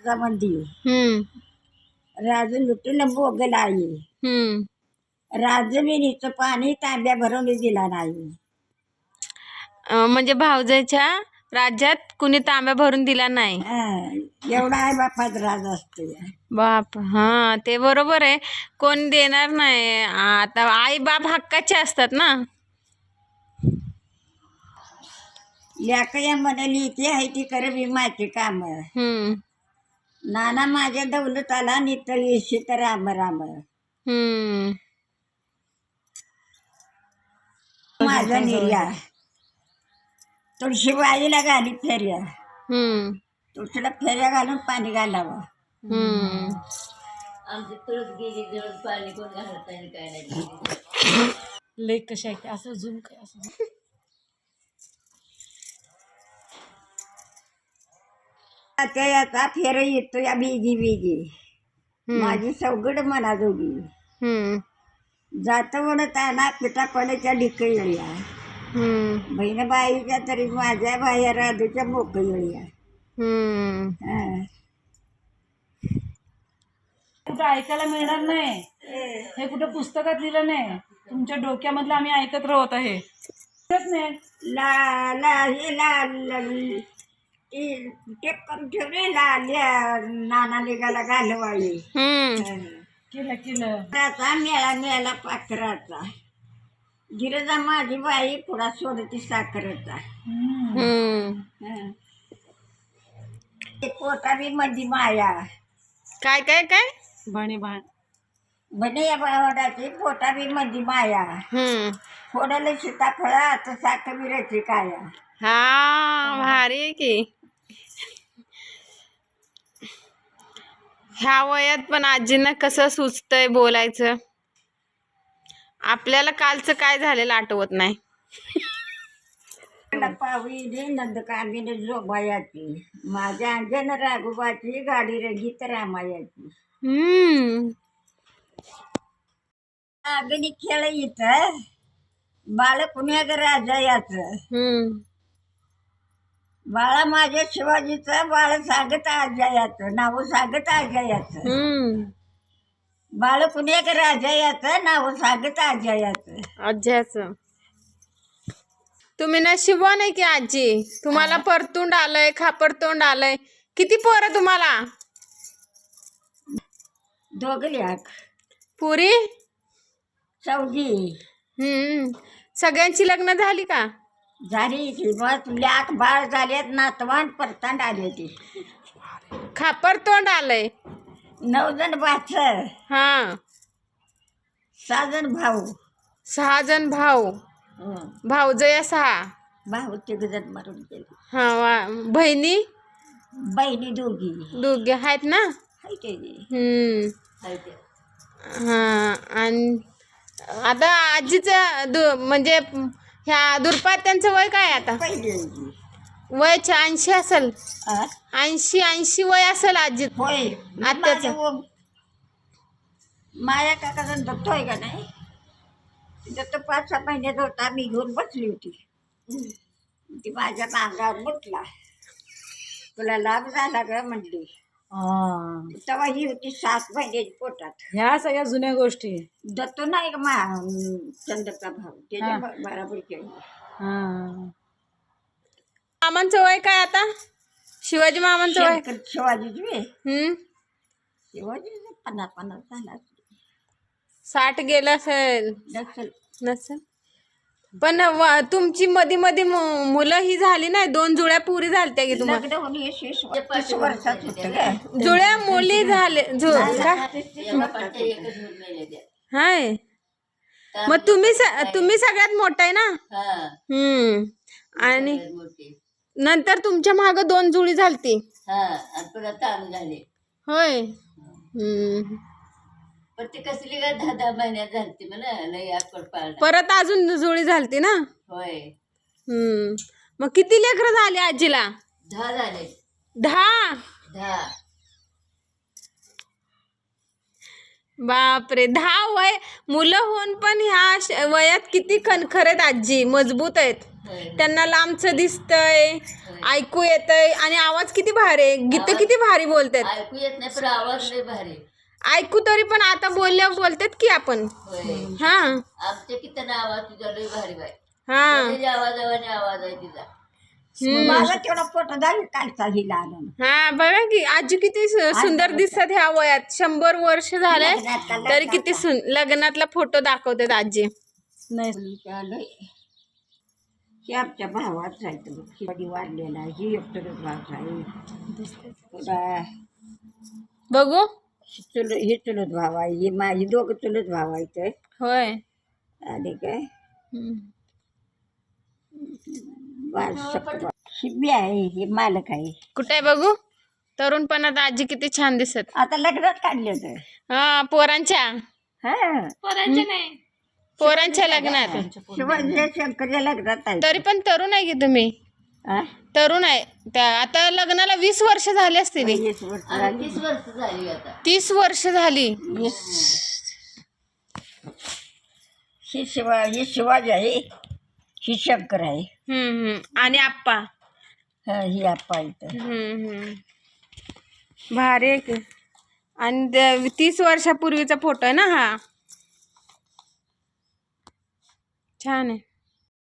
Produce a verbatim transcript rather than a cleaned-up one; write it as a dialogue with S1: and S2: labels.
S1: मंदी
S2: हम्म
S1: राजू लुटून बोगल आई
S2: हम्म
S1: राजमिनीचं पाणी तांब्या भरून दिला नाही.
S2: अं, म्हणजे भाऊजाईच्या राज्यात कुणी तांब्या भरून दिला नाही.
S1: हा, एवढा आहे बापात राज असतो.
S2: बाप हा ते बरोबर आहे. कोण देणार नाही. आता आई बाप हक्काचे असतात ना.
S1: लेक या म्हणाली ती आहे ती कर विमाची काम.
S2: हम्म
S1: नाना माझ्या दौलताला नितळ येशी तर राम राम.
S2: हम्म
S1: माझा निर्या तुळशीबाईला घाली फेऱ्या.
S2: हम्म
S1: तुळशीला फेऱ्या घालून पाणी घालावं.
S2: हम्म
S3: आमची तुळस गेली जळून पाणी कोण घालत नाही काय नाही.
S4: लेक कशा आहे असं झूम काय असं
S1: त्या याचा फेर येतो या बिगी बिगी माझी सवगड मना जोगी.
S2: हम्म
S1: जात वडताना पिठा पडायच्या ढिक येळ्या.
S2: हम्म
S1: बहीण बाईच्या तरी माझ्या बाया राधूच्या मोक येळ्या.
S2: हम्म
S1: हा.
S4: कुठं ऐकायला मिळणार नाही. हे कुठं पुस्तकात लिहिलं नाही. तुमच्या डोक्यामधलं आम्ही ऐकत राहत आहे. नाही
S1: ला ला हे ला ला- ती टेप करून ठेवले लाल्या नाना निघाला घालवाळी.
S2: हम्म
S4: केलं केलं
S1: त्याचा मेळा मेळा पाखराचा गिरजा माझी बाई पुढा सोडती साखरेचा.
S2: हम्म
S1: पोटा बी मध्ये माया
S2: काय काय काय
S4: भाणे भाण
S1: म्हणे या बावडाची पोटा बी मध्ये माया.
S2: हम्म
S1: फोडलं सीताफळ आता साखर बिराची काया.
S2: हा भारी आहे की. ह्या वयात पण आजींना कसं सुचतंय बोलायचं. आपल्याला कालचं काय झालेलं आठवत नाही.
S1: पावी नंदकामिनी जोबायाची माझ्या अंजन राघोबाची गाडी रंगीत रामायाची.
S2: हम्म
S1: अग्नी खेळ इथं बाळ पुण्याग राजा याचं.
S2: हम्म
S1: बाळा माझ्या शिवाजीचं बाळ सांगत आजयाचं नाव सांगत आजयाचं.
S2: हम्म
S1: बाळ पुण्याग राजा याचं नाव सांगत आजयाचं.
S2: आज्याचं तुम्ही नशिबवान आहे की आजी. तुम्हाला परतोंड आलंय खापरतोंड आलंय. किती पोरं तुम्हाला
S1: दोघल्याक
S2: पुरी.
S1: चौघी
S2: हम्म सगळ्यांची लग्न झाली का.
S1: झाली की मग लाख बाळ झालेत नातवान परतांड आले ती.
S2: खापरतोंड आलंय.
S1: नऊ जण बाच
S2: हा
S1: सहा जण भाऊ.
S2: सहा जण भाऊ.
S1: हं.
S2: भाऊजया सहा.
S1: भाऊ तिघ जण मरून गेले.
S2: हा वा बहिणी
S1: बहिणी दोघी
S2: दोघे आहेत ना.
S1: हाय ते.
S2: हम्म
S3: हाय ते.
S2: हा आणि आता आजीचं दु म्हणजे ह्या दुर्पात्यांचं वय काय आता.
S1: पहिली
S2: वय ऐंशी असेल.
S1: आ?
S2: ऐंशी ऐंशी वय असेल आजी.
S1: होय
S2: आत्याचं.
S1: माझ्या व- माझ्या काकाचा दत्त आहे का नाही दत्त पाच सहा महिन्यात होता. मी घेऊन बसली होती. ती माझ्या मांगावर म्हटला तुला लाभ झाला ग म्हणली. तेव्हा ही होती सात महिन्याची पोटात.
S4: ह्या सगळ्या जुन्या गोष्टी.
S1: दत्त नाही का मा चंद्रका भाऊ त्याच्या बरोबर केलं.
S2: मामांचं वय काय आता. शिवाजी मामांचं वय.
S1: शंकर शिवाजीची वे
S2: हम्म
S1: शिवाजी पन्नास पन्नास झाला
S2: साठ गेलं असेल
S1: नसेल.
S2: नसेल. पण व- तुमची मधी मधी मु- मुलं ही झाली नाही. दोन जुळ्या पुरी झालत्या की तुम्हाला.
S1: लग्न होऊन हे वीस तीस वर्षात होतं का.
S2: जुळ्या मुली झाले जु का
S3: एका पाठच्या एकच महिने द्या.
S2: हाय. मग तुम्ही स- तुम्ही सगळ्यात मोठा आहे ना.
S3: हा
S2: हम्म आणि
S3: सगळ्यात मोठी.
S2: नंतर तुमच्या माग दोन जुळी झालती.
S3: हा आणि पुन्हा ताण झाले.
S2: होय. हम्म
S3: पण ती कसली काय दहा दहा महिन्यात झालती म्हणा लई आकड पाळणा.
S2: परत अजून जुळी झालती ना.
S3: होय
S2: हम्म मग किती लेकरं झाली आजीला.
S3: दहा झाले.
S2: दहा.
S3: दहा
S2: बापरे, दहा वय मुलं होऊन पण ह्या श- वयात किती खणखर आहेत आजी, मजबूत आहेत.
S3: होय.
S2: त्यांना लांबचं दिसतंय, ऐकू येतंय आणि आवाज किती भारी आहे, गीत किती भारी बोलतात.
S3: ऐकू येत नाही पण आवाज लय भारी.
S2: ऐकू तरी पण आता बोलल्यावर बोलतात की आपण.
S3: होय.
S2: हा
S3: आमच्या किती आवाज तिचा लय भारी बाय.
S2: हा
S3: तिच्या आवाजावाने आवाज आहे तिचा.
S1: माझा तेवढा फोटो दाखव कालचा हिला आणून.
S2: हा बघा की आजी किती सु- सुंदर दिसतात ह्या वयात. शंभर वर्ष झाले
S1: लग्नातला-
S2: तरी किती सुन लग्नातला फोटो दाखवतात आजी.
S4: नाही
S1: चालय हे आमच्या भावाच आहे तो. ही कधी वाढलेला ही एकटं भाव आहे. पुन्हा
S2: बघू.
S1: चुल हे चुलत भाव आहे, ही माझी दोघं चुलत भाव आहेत.
S2: होय.
S1: आणि काय
S2: हम्म.
S1: शिबी आहे, हे मालक आहे.
S2: कुठे आहे बघू. तरुणपणात आजी किती छान दिसत.
S1: आता लग्नात काढले होते.
S2: हा पोरांच्या
S1: हा
S2: पोरांच्या लग्नात.
S1: शिवाजी शंकरच्या लग्नात आहे.
S2: तरी पण तरुण आहे की तुम्ही.
S1: हा?
S2: तरुण आहे त्या आता लग्नाला वीस वर्ष झाली असतील.
S1: वीस वर्ष
S3: आणि
S1: झाली.
S3: तीस वर्ष झाली आता.
S2: तीस वर्ष झाली.
S1: ही शिवा ही शिवाजी आहे, ही शंकर आहे.
S2: हम्म हम्म आणि आप्पा.
S1: हा, ही आप्पा इथं.
S2: हम्म हम्म भारी आहे की. आणि ते तीस वर्षापूर्वीचा फोटो आहे ना हा. छान आहे.